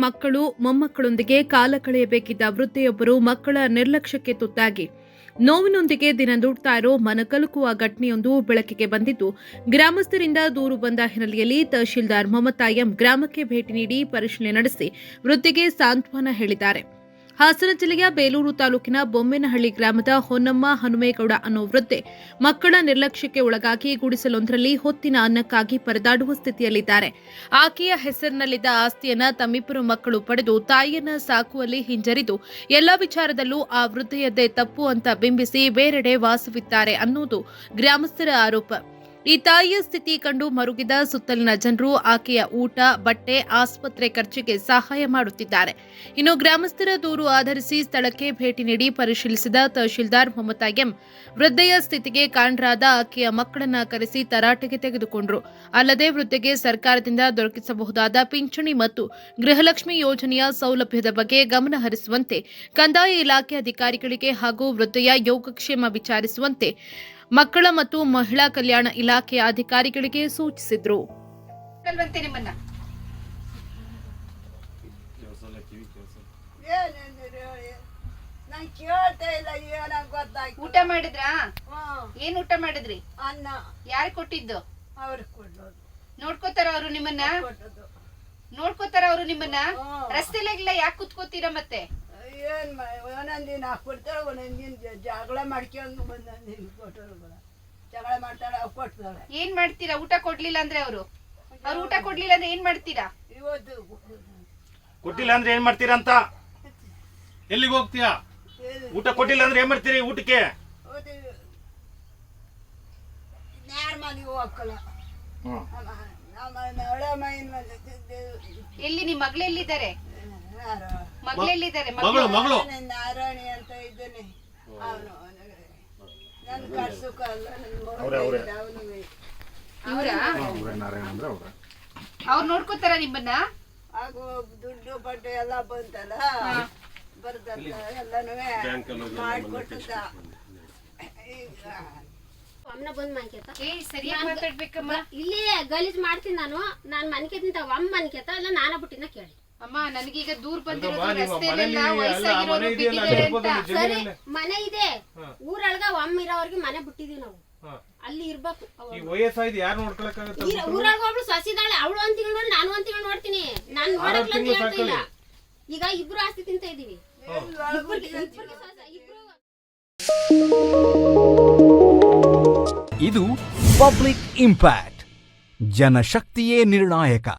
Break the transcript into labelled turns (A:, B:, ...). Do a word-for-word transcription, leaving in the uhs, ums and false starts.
A: ಮಕ್ಕಳು ಮೊಮ್ಮಕ್ಕಳೊಂದಿಗೆ ಕಾಲ ಕಳೆಯಬೇಕಿದ್ದ ವೃದ್ಧೆಯೊಬ್ಬರು ಮಕ್ಕಳ ನಿರ್ಲಕ್ಷ್ಯಕ್ಕೆ ತುತ್ತಾಗಿ ನೋವಿನೊಂದಿಗೆ ದಿನ ದೂಡ್ತಾ ಇರೋ ಮನಕಲುಕುವ ಘಟನೆಯೊಂದು ಬೆಳಕಿಗೆ ಬಂದಿದ್ದು, ಗ್ರಾಮಸ್ಥರಿಂದ ದೂರು ಬಂದ ಹಿನ್ನೆಲೆಯಲ್ಲಿ ತಹಶೀಲ್ದಾರ್ ಮಮತಾ ಎಂ ಗ್ರಾಮಕ್ಕೆ ಭೇಟಿ ನೀಡಿ ಪರಿಶೀಲನೆ ನಡೆಸಿ ವೃದ್ಧೆಗೆ ಸಾಂತ್ವನ ಹೇಳಿದ್ದಾರೆ. ಹಾಸನ ಜಿಲ್ಲೆಯ ಬೇಲೂರು ತಾಲೂಕಿನ ಬೊಮ್ಮೇನಹಳ್ಳಿ ಗ್ರಾಮದ ಹೊನ್ನಮ್ಮ ಹನುಮೇಗೌಡ ಅನ್ನೋ ವೃದ್ಧೆ ಮಕ್ಕಳ ನಿರ್ಲಕ್ಷ್ಯಕ್ಕೆ ಒಳಗಾಗಿ ಗುಡಿಸಲೊಂದರಲ್ಲಿ ಹೊತ್ತಿನ ಅನ್ನಕ್ಕಾಗಿ ಪರದಾಡುವ ಸ್ಥಿತಿಯಲ್ಲಿದ್ದಾರೆ. ಆಕೆಯ ಹೆಸರಿನಲ್ಲಿದ್ದ ಆಸ್ತಿಯನ್ನ ತಮ್ಮಿಬ್ಬರು ಮಕ್ಕಳು ಪಡೆದು ತಾಯಿಯನ್ನ ಸಾಕುವಲ್ಲಿ ಹಿಂಜರಿದು ಎಲ್ಲ ವಿಚಾರದಲ್ಲೂ ಆ ವೃದ್ಧೆಯದ್ದೇ ತಪ್ಪು ಅಂತ ಬಿಂಬಿಸಿ ಬೇರೆಡೆ ವಾಸವಿದ್ದಾರೆ ಅನ್ನೋದು ಗ್ರಾಮಸ್ಥರ ಆರೋಪ. ಈ ತಾಯಿಯ ಸ್ಥಿತಿ ಕಂಡು ಮರುಗಿದ ಸುತ್ತಲಿನ ಜನರು ಆಕೆಯ ಊಟ, ಬಟ್ಟೆ, ಆಸ್ಪತ್ರೆ ಖರ್ಚಿಗೆ ಸಹಾಯ ಮಾಡುತ್ತಿದ್ದಾರೆ. ಇನ್ನು ಗ್ರಾಮಸ್ಥರ ದೂರು ಆಧರಿಸಿ ಸ್ಥಳಕ್ಕೆ ಭೇಟಿ ನೀಡಿ ಪರಿಶೀಲಿಸಿದ ತಹಶೀಲ್ದಾರ್ ಮಮತಾ ಎಂ ವೃದ್ಧೆಯ ಸ್ಥಿತಿಗೆ ಕಾರಣರಾದ ಆಕೆಯ ಮಕ್ಕಳನ್ನ ಕರೆಸಿ ತರಾಟೆಗೆ ತೆಗೆದುಕೊಂಡರು. ಅಲ್ಲದೆ ವೃದ್ಧೆಗೆ ಸರ್ಕಾರದಿಂದ ದೊರಕಿಸಬಹುದಾದ ಪಿಂಚಣಿ ಮತ್ತು ಗೃಹಲಕ್ಷ್ಮಿ ಯೋಜನೆಯ ಸೌಲಭ್ಯದ ಬಗ್ಗೆ ಗಮನ ಹರಿಸುವಂತೆ ಕಂದಾಯ ಇಲಾಖೆ ಅಧಿಕಾರಿಗಳಿಗೆ ಹಾಗೂ ವೃದ್ಧೆಯ ಯೋಗಕ್ಷೇಮ ವಿಚಾರಿಸುವಂತೆ ಮಕ್ಕಳ ಮತ್ತು ಮಹಿಳಾ ಕಲ್ಯಾಣ ಇಲಾಖೆಯ ಅಧಿಕಾರಿಗಳಿಗೆ ಸೂಚಿಸಿದ್ರು.
B: ಊಟ ಮಾಡಿದ್ರಾ? ಏನ್ ಊಟ ಮಾಡಿದ್ರಿ?
C: ಅನ್ನ.
B: ಯಾರು ಕೊಟ್ಟಿದ್ದು?
C: ಅವ್ರಿಗೆ ಕೊಡೋದು.
B: ನೋಡ್ಕೋತಾರ ಅವರು ನಿಮ್ಮನ್ನ? ನೋಡ್ಕೋತಾರ ಅವರು ನಿಮ್ಮನ್ನ? ರಸ್ತೆಲೆಲ್ಲ ಯಾಕೆ ಕುತ್ಕೋತೀರಾ? ಮತ್ತೆ
C: ಏನ್ ಒಂದೊಂದಿನ ಹಾಕ್ಬಿಡ್ತಾಳೆ, ಒಂದೊಂದಿನ ಜಗಳ ಮಾಡ್ಕೊಂಡು ಒಂದೊಂದಿನ ಕೊಟ್ಟರು ಜಗಳ ಮಾಡ್ತಾಳೆ, ಅವ್ ಕೊಡ್ತಾಳೆ.
B: ಏನ್ ಮಾಡ್ತೀರಾ? ಊಟ ಕೊಡ್ಲಿಲ್ಲ ಅಂದ್ರೆ ಅವರು ಅವ್ರು ಊಟ ಕೊಡ್ಲಿಲ್ಲ ಅಂದ್ರೆ ಏನ್ ಮಾಡ್ತೀರಾ?
C: ಇವತ್ತು
D: ಕೊಟ್ಟಿಲ್ಲ ಅಂದ್ರೆ ಏನ್ ಮಾಡ್ತೀರಾ ಅಂತ? ಎಲ್ಲಿಗೆ ಹೋಗ್ತೀಯಾ? ಊಟ ಕೊಟ್ಟಿಲ್ಲ ಅಂದ್ರೆ ಏನ್ ಮಾಡ್ತೀರಿ ಊಟಕ್ಕೆ?
C: ಯಾರ ಮನೆಗೂ ಹೋಗಲ್ಲ.
B: ಎಲ್ಲಿ ನಿಮ್ ಮಗಳು ಎಲ್ಲಿದ್ದಾರೆ? ಮಗಳು ಎಲ್ಲಿದ್ದಾರೆ?
D: ಮಗಳು ಮಗಳು
C: ನಾರಾಯಣಿ ಅಂತ ಇದ್ದಾನೆ. ಅವನು ನನ್ ಕರ್ಸುಕ ಅಲ್ಲ,
B: ಅವ್ರು ನೋಡ್ಕೋತಾರ ನಿಮ್ಮನ್ನ?
C: ಹಾಗೂ ದುಡ್ಡು ಬಡ್ಡೆ ಎಲ್ಲ ಬಂತಲ್ಲ, ಬರ್ದಲ್ಲ ಎಲ್ಲಾನು ಮಾಡ್ಕೊಟ್ಟದ. ಈಗ
E: ಅಮ್ಮನ ಬಂದ್ ಮನ್ಕೇತ
B: ಏ ಸರಿಯಾಗಿ ಮಾತಾಡ್ಬೇಕಮ್ಮ.
E: ಇಲ್ಲಿ ಗಲೀಜ್ ಮಾಡ್ತೀನಿ ನಾನು. ನಾನ್ ಮನ್ಕೇತಿಂತ ಅಮ್ಮ ಮನ್ಕೇತ ಇಲ್ಲ ನಾನ ಬಿಟ್ಟಿನ ಕೇಳಿ.
B: ಅಮ್ಮ ನನಗೀಗ ದೂರ ಬಂದಿರೋದು ರಸ್ತೆಲೆಲ್ಲ ವಯಸ್ಸಾಗಿರೋರು ಬಿದ್ದಿದ್ದಾರೆ ಅಂತ.
E: ಸರಿ ಮನೆ ಇದೆ, ಊರೊಳಗ ಒಮ್ಮ ಇರೋವರ್ಗೆ ಮನೆ ಬಿಟ್ಟಿದೀವಿ ನಾವು. ಅಲ್ಲಿ ಇರ್ಬೇಕು.
F: ವಯಸ್ಸಾಯ್ತು ಯಾರು ನೋಡ್ಕೊಳಕ್ಕಾಗತ್ತ?
E: ಊರಾಗ ಒಬ್ಳು ಸಸಿದಾಳೆ, ಅವಳು ಒಂದ್ ತಿಂಗಳು ನೋಡಿ ನಾನು ಒಂದ್ ತಿಂಗಳು ನೋಡ್ತೀನಿ. ನಾನ್ ನೋಡಕ್ ಹೇಳ್ತಿಲ್ಲ. ಈಗ ಇಬ್ರು ಆಸ್ತಿ ತಿಂತ ಇದೀವಿ.
G: ಇದು ಪಬ್ಲಿಕ್ ಇಂಪ್ಯಾಕ್ಟ್. ಜನಶಕ್ತಿಯೇ ನಿರ್ಣಾಯಕ.